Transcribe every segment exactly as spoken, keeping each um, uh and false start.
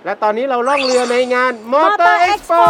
และตอนนี้เราล่องเรือในงาน Motor Expo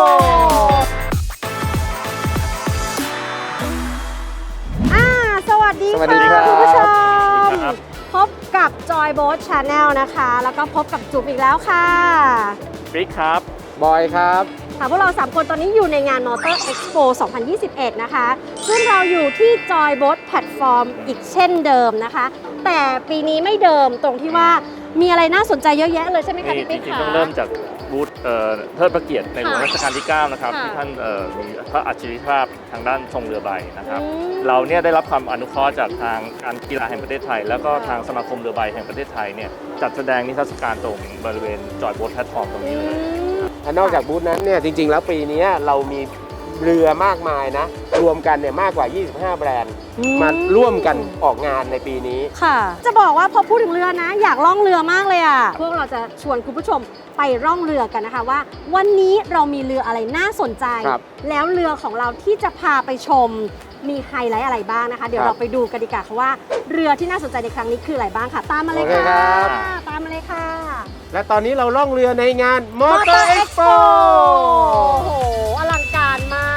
อ่าสวัสดีสวัสดีครัค่ะบคุณผู้ชมพบกับ Joy Boat Channel นะคะ แล้วก็พบกับจุ๊บอีกแล้วค่ะฟริกครับบอยครับค่ะพวกเราสามคนตอนนี้อยู่ในงาน Motor Expo สองพันยี่สิบเอ็ด นะคะ ซึ่งเราอยู่ที่ Joy Boat Platform อีกเช่นเดิมนะคะ แต่ปีนี้ไม่เดิมตรงที่ว่ามีอะไรน่าสนใจเยอะแยะเลยใช่ไหมคะนี่พี่จปิ๊กริงๆคะต้องเริ่มจากบูธเอ่อเทิดพระเกียรติในหลวงค่ะรัชกาลที่ เก้า นะครับค่ะที่ท่านเอ่อมีพระอัจฉริยภาพทางด้านทรงเรือใบนะครับอืมเราเนี่ยได้รับความอนุเคราะห์จากทางการกีฬาแห่งประเทศไทย แล้วก็ค่ะทางสมาคมเรือใบแห่งประเทศไทยเนี่ยจัดแสดงนิทรรศการตรงบริเวณจอยโบ๊ทแพลตฟอร์มตรงนี้เลยและนอกจากบูธนั้นเนี่ยจริงๆ แล้วปีนี้เรามีเรือมากมายนะ รวมกันเนี่ยมากกว่า ยี่สิบห้า แบรนด์อืมมาร่วมกันออกงานในปีนี้ค่ะ จะบอกว่าพอพูดถึงเรือนะ อยากล่องเรือมากเลยอ่ะ พวกเราจะชวนคุณผู้ชมไปร่องเรือกันนะคะว่า วันนี้เรามีเรืออะไรน่าสนใจครับแล้วเรือของเราที่จะพาไปชมมีไฮไลท์อะไรบ้างนะคะ เดี๋ยวครับเราไปดูกันดีกว่าค่ะว่าเรือที่น่าสนใจในครั้งนี้คืออะไรบ้างค่ะ ตามมาเลยโอเคค่ะครับตามมาเลยค่ะและตอนนี้เราล่องเรือในงาน Motor Expo โอ้โหอลังการมาก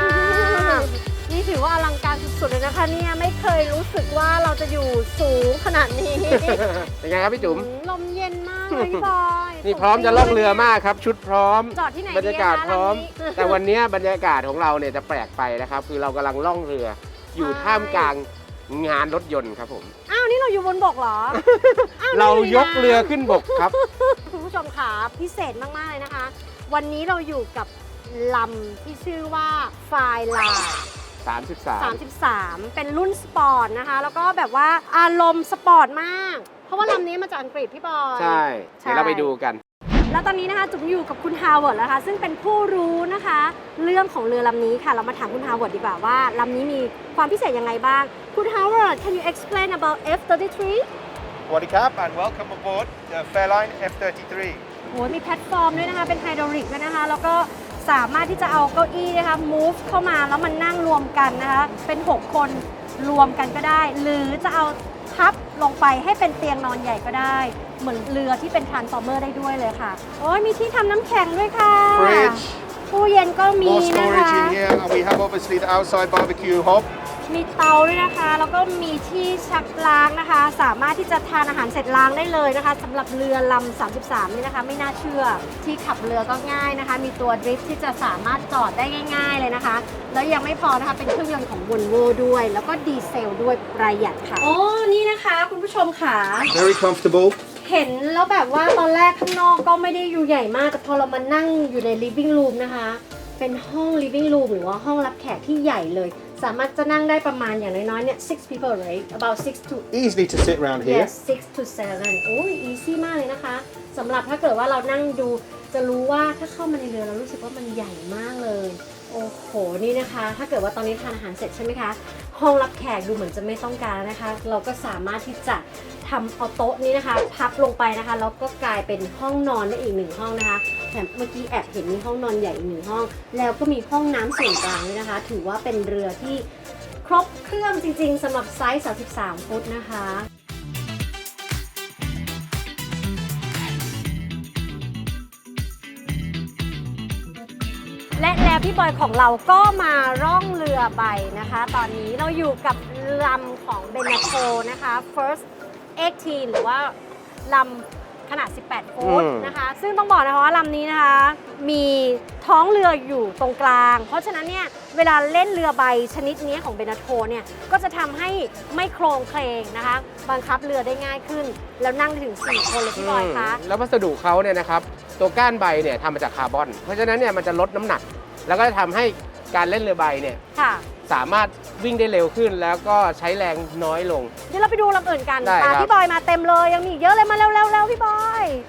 นี่ถือว่าอลังการสุดๆเลยนะคะเนี่ยไม่เคยรู้สึกว่าเราจะอยู่สูงขนาดนี้เป็นไงครับพี่จุ๋มอืมลมเย็นมากเลยพี่บอยนี่พร้อมจะล่องเรือมากครับ ชุดพร้อมจอดที่ไหนบรรยากาศดีะคะพร้อมลำนี้แต่วันนี้บรรยากาศของเราเนี่ยจะแปลกไปนะครับ คือเรากำลังล่องเรือ อยู่ใช่ท่ามกลางงานรถยนต์ครับผมอ้าวนี่เราอยู่บนบกเหรอ อ้าวเรานี่ยกเรือขึ้นบกครับคุณผู้ชมค่ะพิเศษมากๆเลยนะคะ วันนี้เราอยู่กับลำที่ชื่อว่าไฟลาสามสิบสามสามสิบสามเป็นรุ่นสปอร์ตนะคะ แล้วก็แบบว่าอารมณ์สปอร์ตมาก เพราะว่าลำนี้มาจากอังกฤษพี่บอยใช่ใช่เดี๋ยวเราไปดูกันแล้วตอนนี้นะคะจุ๋มอยู่กับคุณฮาวเวิร์ดแล้วค่ะซึ่งเป็นผู้รู้นะคะ เรื่องของเรือลำนี้ค่ะ เรามาถามคุณฮาวเวิร์ดดีกว่าว่าลำนี้มีความพิเศษยังไงบ้าง คุณฮาวเวิร์ด can you explain about เอฟ สามสิบสาม Sawasdee Krap and welcome aboard the Fairline เอฟ สามสิบสามโอ้ยมีแพลตฟอร์มด้วยนะคะ เป็นไฮดรอลิกด้วยนะคะ แล้วก็สามารถที่จะเอาเก้าอี้นะคะ move เข้ามาแล้วมันนั่งรวมกันนะคะ เป็น หก คนรวมกันก็ได้ หรือจะเอาพับลงไปให้เป็นเตียงนอนใหญ่ก็ได้ เหมือนเรือที่เป็น transformer ได้ด้วยเลยค่ะ โอ้ยมีที่ทำน้ำแข็งด้วยค่ะ Fridge ตู้เย็นก็มี more นะ storage คะ in here, and we have obviously the outside barbecue hob. มีเตาด้วยนะคะ แล้วก็มีที่ชักล้างนะคะ สามารถที่จะทานอาหารเสร็จล้างได้เลยนะคะสำหรับเรือลำ สามสิบสาม นี่นะคะ ไม่น่าเชื่อ ที่ขับเรือก็ง่ายนะคะ มีตัวดริฟท์ที่จะสามารถจอดได้ง่าย ๆเลยนะคะ แล้วยังไม่พอนะคะ เป็นเครื่องยนต์ของ Volvo ด้วย แล้วก็ดีเซลด้วยประหยัดค่ะโอ้นี่นะคะคุณผู้ชมค่ะ Very comfortable. เห็นแล้วแบบว่าตอนแรกข้างนอกก็ไม่ได้อยู่ใหญ่มาก แต่พอเรามานั่งอยู่ใน living room นะคะ เป็นห้อง living room หรือว่าห้องรับแขกที่ใหญ่เลย สามารถจะนั่งได้ประมาณอย่างน้อยๆเนี่ย six people right about six to Easily to sit around here. yes six to seven โอ้ย easy มากเลยนะคะสำหรับถ้าเกิดว่าเรานั่งดูจะรู้ว่าถ้าเข้ามาในเรือเรารู้สึกว่ามันใหญ่มากเลย โอ้โหนี่นะคะ ถ้าเกิดว่าตอนนี้ทานอาหารเสร็จใช่ไหมคะ ห้องรับแขกดูเหมือนจะไม่ต้องการแล้วนะคะ เราก็สามารถที่จะทำเอาโต๊ะนี้นะคะ พับลงไปนะคะแล้วก็กลายเป็นห้องนอนได้อีกหนึ่งห้องนะคะแถมเมื่อกี้แอบเห็นมีห้องนอนใหญ่อีกหนึ่งห้อง แล้วก็มีห้องน้ำส่วนกลางด้วยนะคะ ถือว่าเป็นเรือที่ครบเครื่องจริงๆสำหรับไซส์สามสิบสามฟุตนะคะ และแล้วพี่บอยของเราก็มาร่องเรือใบนะคะ ตอนนี้เราอยู่กับลำของเบนาโ o นะคะ First สิบแปด หรือว่าลำขนาด สิบแปด ฟุตอืมนะคะ ซึ่งต้องบอกนะคะว่าลำนี้นะคะ มีท้องเรืออยู่ตรงกลาง เพราะฉะนั้นเนี่ยเวลาเล่นเรือใบชนิดนี้ของเบนาโ o เนี่ยก็จะทำให้ไม่โครงเคลงนะคะ บังคับเรือได้ง่ายขึ้น แล้วนั่งได้ถึงสี่คนเลยพี่บอยคะแล้ววัสดุเขาเนี่ยนะครับ ตัวก้านใบเนี่ยทำมาจากคาร์บอน เพราะฉะนั้นเนี่ยมันจะลดน้ำหนัก แล้วก็จะทำให้การเล่นเรือใบเนี่ยค่ะสามารถวิ่งได้เร็วขึ้น แล้วก็ใช้แรงน้อยลงเดี๋ยวเราไปดูลำอื่นกันได้ตาครับพี่บอยมาเต็มเลยยังมีอีกเยอะเลยมาเร็วๆๆพี่บอย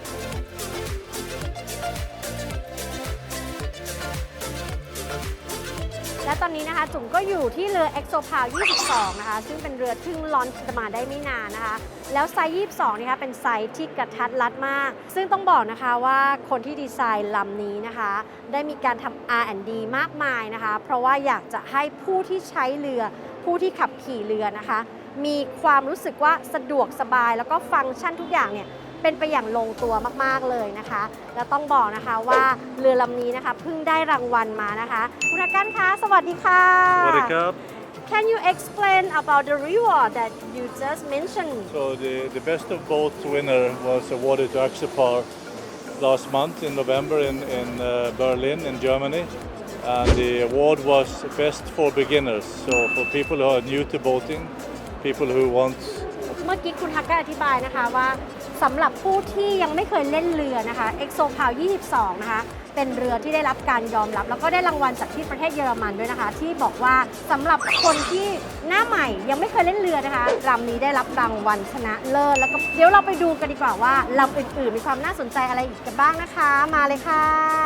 และตอนนี้นะคะจุ๋มก็อยู่ที่เรือ EXO Power ยี่สิบสอง นะคะซึ่งเป็นเรือที่ลอนช์มาได้ไม่นานนะคะแล้วไซส์ยี่สิบสองนี่คะเป็นไซส์ที่กระทัดรัดมาก ซึ่งต้องบอกนะคะว่าคนที่ดีไซน์ลำนี้นะคะได้มีการทำ อาร์ แอนด์ ดี มากมายนะคะเพราะว่าอยากจะให้ผู้ที่ใช้เรือผู้ที่ขับขี่เรือนะคะมีความรู้สึกว่าสะดวกสบายแล้วก็ฟังก์ชันทุกอย่างเนี่ยเป็นไปอย่างลงตัวมากๆเลยนะคะแล้วต้องบอกนะคะว่าเรือลำนี้นะคะเพิ่งได้รางวัลมานะคะคุณอากันคะสวัสดีค่ะสวัสดีครับ Can you explain about the reward that you just mentioned? So the, the best of both winner was awarded to Axopar last month in November in, in uh, Berlin in Germany. And the award was best for beginners. So for people who are new to boating, people who want เมื่อกี้คุณฮักก็อธิบายนะคะว่าสำหรับผู้ที่ยังไม่เคยเล่นเรือนะคะ ExoPal ยี่สิบสองนะคะเป็นเรือที่ได้รับการยอมรับแล้วก็ได้รางวัลจากที่ประเทศเยอรมันด้วยนะคะที่บอกว่าสำหรับคนที่หน้าใหม่ยังไม่เคยเล่นเรือนะคะลำนี้ได้รับรางวัลชนะเลิศแล้วก็เดี๋ยวเราไปดูกันดีกว่าว่าลำอื่นๆมีความน่าสนใจอะไรอีกกันบ้างนะคะมาเลยค่ะ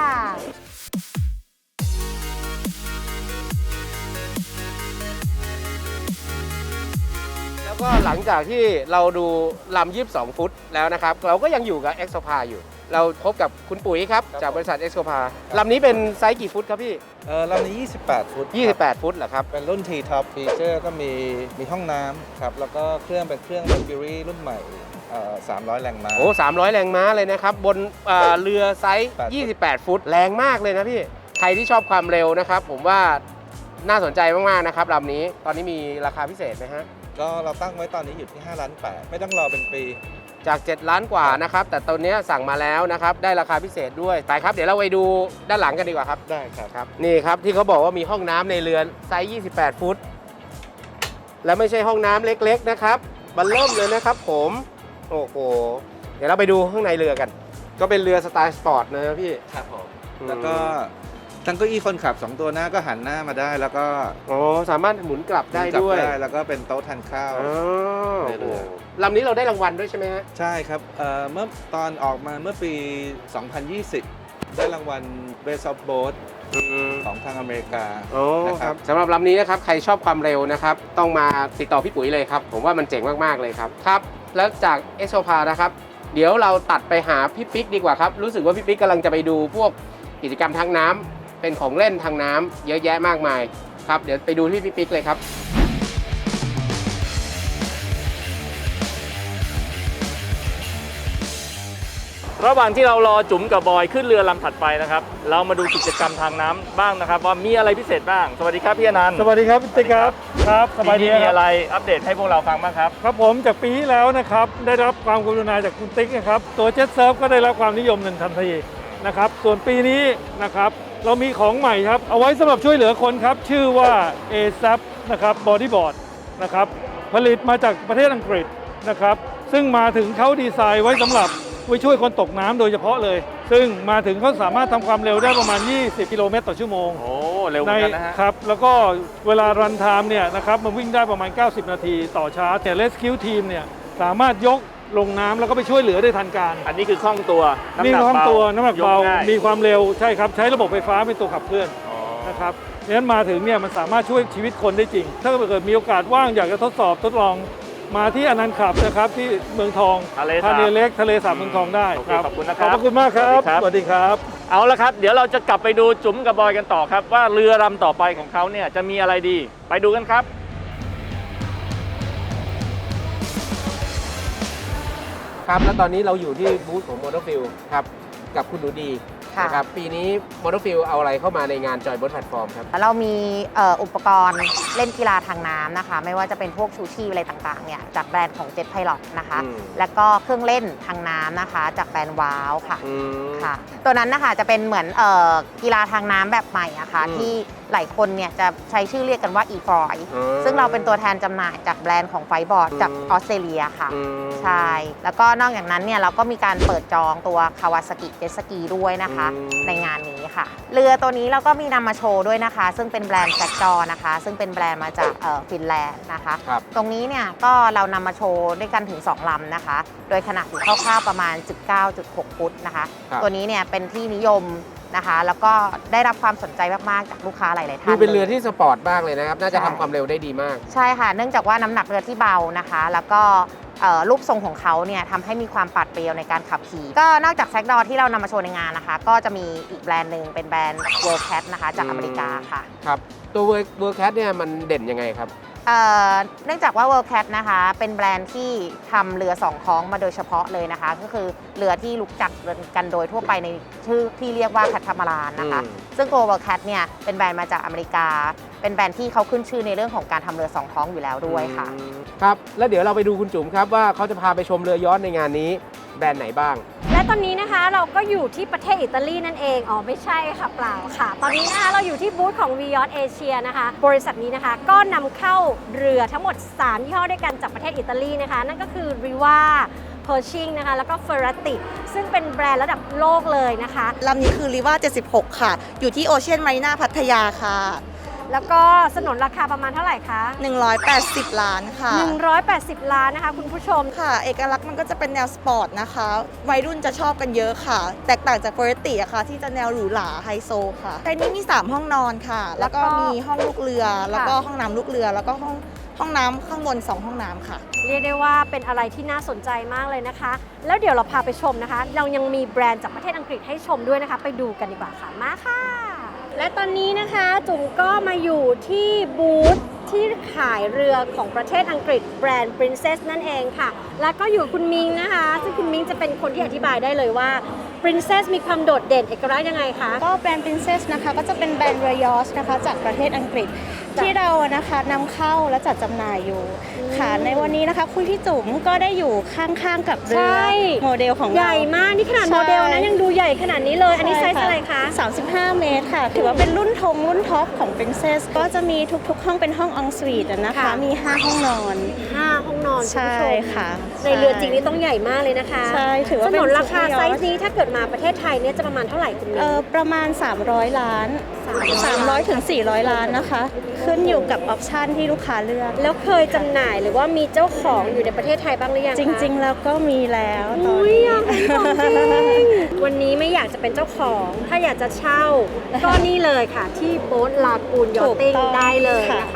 แล้วก็หลังจากที่เราดูลำยี่สิบสองฟุตแล้วนะครับเราก็ยังอยู่กับ ExoPa อยู่ เราพบกับคุณปุ๋ยครับจากบริษัท ExoPa ลำนี้เป็นไซส์กี่ฟุตครับพี่เออลำนี้ ยี่สิบแปด ฟุตยี่สิบแปดฟุตเหรอครับเป็นรุ่น T-Top Feature ก็มีมีห้องน้ำครับ แล้วก็เครื่องเป็นเครื่อง Mercury รุ่นใหม่เอ่อสามร้อย แรงม้าโอ้สามร้อยแรงม้าเลยนะครับ บนเอ่อเรือไซส์แปดยี่สิบแปด ฟุต แรงมากเลยนะพี่ ใครที่ชอบความเร็วนะครับ ผมว่าน่าสนใจมากๆนะครับลำนี้ตอนนี้มีราคาพิเศษไหมฮะก็เราตั้งไว้ตอนนี้อยู่ที่ห้าล้านแปดไม่ต้องรอเป็นปีจาก เจ็ด ล้านกว่านะครับแต่ตอนนี้สั่งมาแล้วนะครับได้ราคาพิเศษด้วยไปครับเดี๋ยวเราไปดูด้านหลังกันดีกว่าครับได้ครับครับนี่ครับที่เขาบอกว่ามีห้องน้ำในเรือไซส์ยี่สิบแปด ฟุต และไม่ใช่ห้องน้ำเล็กๆนะครับมันเริ่มเลยนะครับผมโอ้โหเดี๋ยวเราไปดูข้างในเรือกัน ก็เป็นเรือสไตล์สปอร์ตนะพี่ครับผมอืมแล้วก็ทั้งเก้าอี้คนขับสองตัวหน้าก็หันหน้ามาได้ แล้วก็อ๋อสามารถหมุนกลับได้จับด้วยได้แล้วก็เป็นโต๊ะทานข้าวอ๋อในเรือลำนี้เราได้รางวัลด้วยใช่ไหมฮะใช่ครับเอ่อเมื่อตอนออกมาเมื่อปี สองพันยี่สิบ ได้รางวัล Best of Boat ของทางอเมริกาโอ้นะคครัรับบ สำหรับลำนี้นะครับใครชอบความเร็วนะครับต้องมาติดต่อพี่ปุ๋ยเลยครับผมว่ามันเจ๋งมากๆเลยครับครับแล้วจาก ExoPa นะครับเดี๋ยวเราตัดไปหาพี่ปิ๊กดีกว่าครับรู้สึกว่าพี่ปิ๊กกำลังจะไปดูพวกกิจกรรมทางน้ำเป็นของเล่นทางน้ำเยอะแยะมากมายครับเดี๋ยวไปดูที่พี่ปิ๊กเลยครับระหว่างที่เรารอจุ๋มกับบอยขึ้นเรือลำถัดไปนะครับเรามาดูกิจกรรมทางน้ำบ้างนะครับว่ามีอะไรพิเศษบ้างสวัสดีครับพี่อนันต์สวัสดีครับพี่ติ๊กครับครับสบายดีปีนี้มีครัอะไรบอัปเดตให้พวกเราฟังบ้างครับครับผมจากปีที่แล้วนะครับได้รับความกรุณาจากคุณติ๊กนะครับตัวเจ็ตเซิร์ฟก็ได้รับความนิยมหนึ่งทันทีนะครับส่วนปีนี้นะครับเรามีของใหม่ครับเอาไว้สำหรับช่วยเหลือคนครับชื่อว่า เอ เอส เอ พี นะครับบอดี้บอร์ดนะครับผลิตมาจากประเทศอังกฤษนะครับซึ่งมาถึงเขาดีไซน์ไว้สำหรับไว้ช่วยคนตกน้ำโดยเฉพาะเลย ซึ่งมาถึงเขาสามารถทำความเร็วได้ประมาณยี่สิบกิโลเมตรต่อชั่วโมงโอ้เร็วเหมืในอนกันนะฮะครับแล้วก็เวลารันไทม์เนี่ยนะครับมันวิ่งได้ประมาณเก้าสิบนาทีต่อชาร์จแต่ Rescue Team เนี่ยสามารถยกลงน้ำแล้วก็ไปช่วยเหลือได้ทันการอันนี้คือคล่องตัวำนี่หกความเบาตัวน้ำหนักเบายง่ยมีความเร็วใช่ครับใช้ระบบไฟฟ้าเป็นตัวขับเคลื่อนอ๋อนะครับดังนั้นมาถึงเนี่ยมันสามารถช่วยชีวิตคนได้จริง ถ้าเกิดมีโอกาสว่างอยากจะทดสอบทดลองมาที่อนันต์ขับนะครับที่เมืองทองทะเลทะสาบเลเล็กทะเลสาบเมืองทองได้โอเคครับขอบคุณนะครับขอบคุณมากครับสวัสดีครับสวัสดีครับเอาละครับ เดี๋ยวเราจะกลับไปดูจุ๋มกับบอยกันต่อครับว่าเรือลำต่อไปของเขาเนี่ยจะมีอะไรดีไปดูกันครับครับแล้วตอนนี้เราอยู่ที่บูธของ Motorfield ครับกับคุณหนูดีค่ะนะครับปีนี้ Motorfield เอาอะไรเข้ามาในงาน Joy Boat Platform ครับเรามีเอ่ออุปกรณ์เล่นกีฬาทางน้ำนะคะไม่ว่าจะเป็นพวกชูชีพอะไรต่างๆเนี่ยจากแบรนด์ของ Jet Pilot นะคะอืมแล้วก็เครื่องเล่นทางน้ำนะคะจากแบรนด์ว้าวค่ะอืมค่ะตัวนั้นนะคะจะเป็นเหมือนเอ่อกีฬาทางน้ำแบบใหม่อะค่ะอืมที่หลายคนเนี่ยจะใช้ชื่อเรียกกันว่า e-foil อืมซึ่งเราเป็นตัวแทนจำหน่ายจากแบรนด์ของไฟบอร์ดจากอืมออสเตรเลียค่ะอืมใช่ แล้วก็นอกจากนั้นเนี่ยเราก็มีการเปิดจองตัวคาวาซากิเจ็ตสกีด้วยนะคะอืมในงานนี้ค่ะ เรือตัวนี้เราก็มีนำมาโชว์ด้วยนะคะ ซึ่งเป็นแบรนด์แซกจอนะคะ ซึ่งเป็นแบรนด์มาจากเอ่อฟินแลนด์นะคะครับตรงนี้เนี่ยก็เรานำมาโชว์ด้วยกันถึง สอง ลำนะคะ โดยขนาดอยู่คร่าวๆประมาณ สิบเก้าจุดหก ฟุตนะคะครับตัวนี้เนี่ยเป็นที่นิยมนะคะ แล้วก็ได้รับความสนใจมากๆจากลูกค้าหลายๆท่านดูเป็นเรือลยที่สปอร์ตมากเลยนะครับ น่าจะใช่ทำความเร็วได้ดีมากใช่ค่ะ เนื่องจากว่าน้ำหนักเรือที่เบานะคะ แล้วก็เอ่อรูปทรงของเขาเนี่ยทำให้มีความปราดเปรียวในการขับขี่ ก็นอกจากแซกดอที่เรานำมาโชว์ในงานนะคะ ก็จะมีอีกแบรนด์หนึ่งเป็นแบรนด์ World Cat นะคะจากอเมริกาค่ะครับ ตัว World Cat เนี่ยมันเด่นยังไงครับเอ่อเนื่องจากว่า World Cat นะคะเป็นแบรนด์ที่ทำเรือสองท้องมาโดยเฉพาะเลยนะคะ ก็คือเรือที่รู้จักกันโดยทั่วไปในชื่อที่เรียกว่าแคทามารานนะคะอืมซึ่งตัว World Cat เนี่ยเป็นแบรนด์มาจากอเมริกา เป็นแบรนด์ที่เขาขึ้นชื่อในเรื่องของการทำเรือสองท้องอยู่แล้วด้วยค่ะอืมครับ แล้วเดี๋ยวเราไปดูคุณจุ๋มครับว่าเขาจะพาไปชมเรือย้อนในงานนี้แบรนด์ไหนบ้างและตอนนี้นะคะเราก็อยู่ที่ประเทศอิตาลีนั่นเอง อ๋อไม่ใช่ค่ะเปล่าค่ะ ตอนนี้นะคะเราอยู่ที่บูธของ Vios Asia นะคะ บริษัทนี้นะคะก็นำเข้าเรือทั้งหมดสามยี่ห้อด้วยกันจากประเทศอิตาลีนะคะ นั่นก็คือ Riva Pershing นะคะแล้วก็ Ferrari ซึ่งเป็นแบรนด์ระดับโลกเลยนะคะลำนี้คือ Riva เจ็ดสิบหก ค่ะ อยู่ที่ Ocean Marina พัทยาค่ะแล้วก็สนนราคาประมาณเท่าไหร่คะหนึ่งร้อยแปดสิบ ล้านค่ะหนึ่งร้อยแปดสิบ ล้านนะคะคุณผู้ชมค่ะ เอกลักษณ์มันก็จะเป็นแนวสปอร์ตนะคะ วัยรุ่นจะชอบกันเยอะค่ะ แตกต่างจาก Ferrari อะค่ะ ที่จะแนวหรูหราไฮโซค่ะไทยนี้มี สาม ห้องนอนค่ะ แล้วก็มีห้องลูกเรือ แล้วก็ห้องน้ำลูกเรือ แล้วก็ห้องห้องน้ำข้างบน สอง ห้องน้ำค่ะเรียกได้ว่าเป็นอะไรที่น่าสนใจมากเลยนะคะ แล้วเดี๋ยวเราพาไปชมนะคะ เรายังมีแบรนด์จากประเทศอังกฤษให้ชมด้วยนะคะ ไปดูกันดีกว่าค่ะ มาค่ะ และตอนนี้นะคะจุ๋มก็มาอยู่ที่บูธที่ขายเรือของประเทศอังกฤษแบรนด์ Princess นั่นเองค่ะ แล้วก็อยู่คุณมิงนะคะ ซึ่งคุณมิงจะเป็นคนที่อธิบายได้เลยว่า Princess มีความโดดเด่นเอกลักษณ์ยังไงคะก็แบรนด์ Princess นะคะก็จะเป็นแบรนด์เรือยอชต์นะคะจากประเทศอังกฤษ ที่เรานะคะนำเข้าและจัดจำหน่ายอยู่ค่ะในวันนี้นะคะคุณพี่จุ๋มก็ได้อยู่ข้างๆกับเรือใช่โมเดลของเราใหญ่มากนี่ขนาดใช่โมเดลนะยังดูใหญ่ขนาดนี้เลย อันนี้ไซใช่ส์อะไรคะสามสิบห้า เมตรค่ะ ถือว่าเป็นรุ่นธงรุ่นท็อปของ Princess ก็จะมีทุกๆ ห้องเป็นห้องอ n งสวีทนะคะค่ะมี ห้า ห้องนอนห้าห้องนอนคุณใช่ผู้ชมค่ะในเรือจริงนี่ต้องใหญ่มากเลยนะคะใช่ถือว่าสเป็นนนราคา super yacht ไซส์นี้ถ้าเกิดมาประเทศไทยเนี่ยจะประมาณเท่าไหร่คุณมิเออประมาณ สามร้อย ล้าน สามร้อยถึงสี่ร้อย ล้านนะคะ ขึ้นอยู่กับออปชันที่ลูกค้าเลือกแล้วเคยจำหน่ายหรือว่ามีเจ้าของอยู่ในประเทศไทยบ้างหรือยังคะจริง ๆ แล้วก็มีแล้วตอนอุ้ยนี้อยากเป็นของจริงวันนี้ไม่อยากจะเป็นเจ้าของ ถ้าอยากจะเช่า ก็นี่เลยค่ะ ที่โบ๊ทลากูนยอตติ้งถูกต้องได้เลยค่ะนะคะ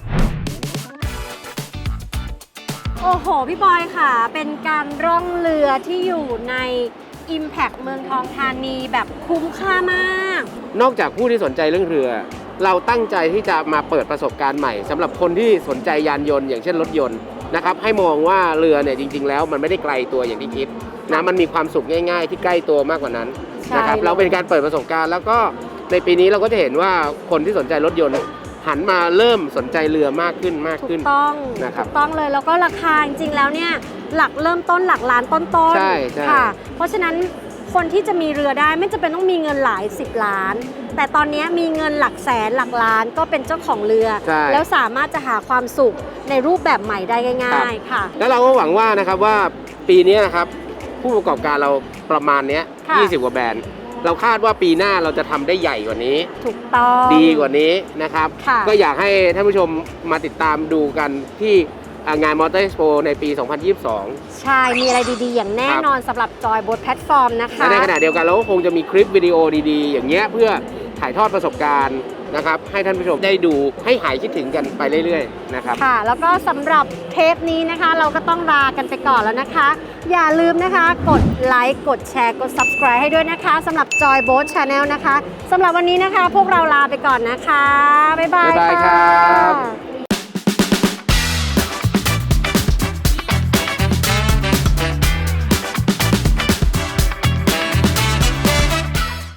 โอ้โห พี่บอยค่ะ เป็นการร่องเรือที่อยู่ใน Impact เมืองทองธานีแบบคุ้มค่ามากนอกจากผู้ที่สนใจเรื่องเรือ เราตั้งใจที่จะมาเปิดประสบการณ์ใหม่สำหรับคนที่สนใจยานยนต์อย่างเช่นรถยนต์นะครับให้มองว่าเรือเนี่ยจริง ๆ แล้วมันไม่ได้ไกลตัวอย่างที่คิดนะมันมีความสุขง่าย ๆ ที่ใกล้ตัวมากกว่านั้นใช่นะครับเลยเราเป็นการเปิดประสบการณ์ แล้วก็ในปีนี้เราก็จะเห็นว่าคนที่สนใจรถยนต์หันมาเริ่มสนใจเรือมากขึ้นมากถูขึ้นกต้องนะครับถูกต้องเลยแล้วก็ราคาจริงๆแล้วเนี่ยหลักเริ่มต้นหลักล้านต้นๆใช่ใช่ค่ะ เพราะฉะนั้นคนที่จะมีเรือได้ไม่จำเป็นต้องมีเงินหลายสิบล้าน แต่ตอนนี้มีเงินหลักแสนหลักล้านก็เป็นเจ้าของเรือใช่แล้วสามารถจะหาความสุขในรูปแบบใหม่ได้ง่าย ๆ ค่ะแล้วเราก็หวังว่านะครับว่าปีนี้นะครับผู้ประกอบการเราประมาณเนี้ยค่ะยี่สิบกว่าแบรนด์เราคาดว่าปีหน้าเราจะทำได้ใหญ่กว่านี้ถูกต้องดีกว่านี้นะครับค่ะก็อยากให้ท่านผู้ชมมาติดตามดูกันที่อ่างานมอเตอร์เอ็กซ์โปในปี สองพันยี่สิบสองใช่ มีอะไรดีๆ อย่างแน่นอนสำหรับจอยบนแพลตฟอร์มนะคะและในขณะเดียวกันเราก็คงจะมีคลิปวิดีโอดีๆ อย่างเงี้ยเพื่อถ่ายทอดประสบการณ์นะครับให้ท่านผู้ชมได้ดูให้หายคิดถึงกันไปเรื่อยๆนะครับค่ะ แล้วก็สำหรับเทปนี้นะคะ เราก็ต้องลากันไปก่อนแล้วนะคะ อย่าลืมนะคะ กดไลค์กดแชร์กด Subscribe ให้ด้วยนะคะสำหรับ Joy Boat Channel นะคะสำหรับวันนี้นะคะ พวกเราลาไปก่อนนะคะ บ๊ายบายบ๊ายบายค่ะครับ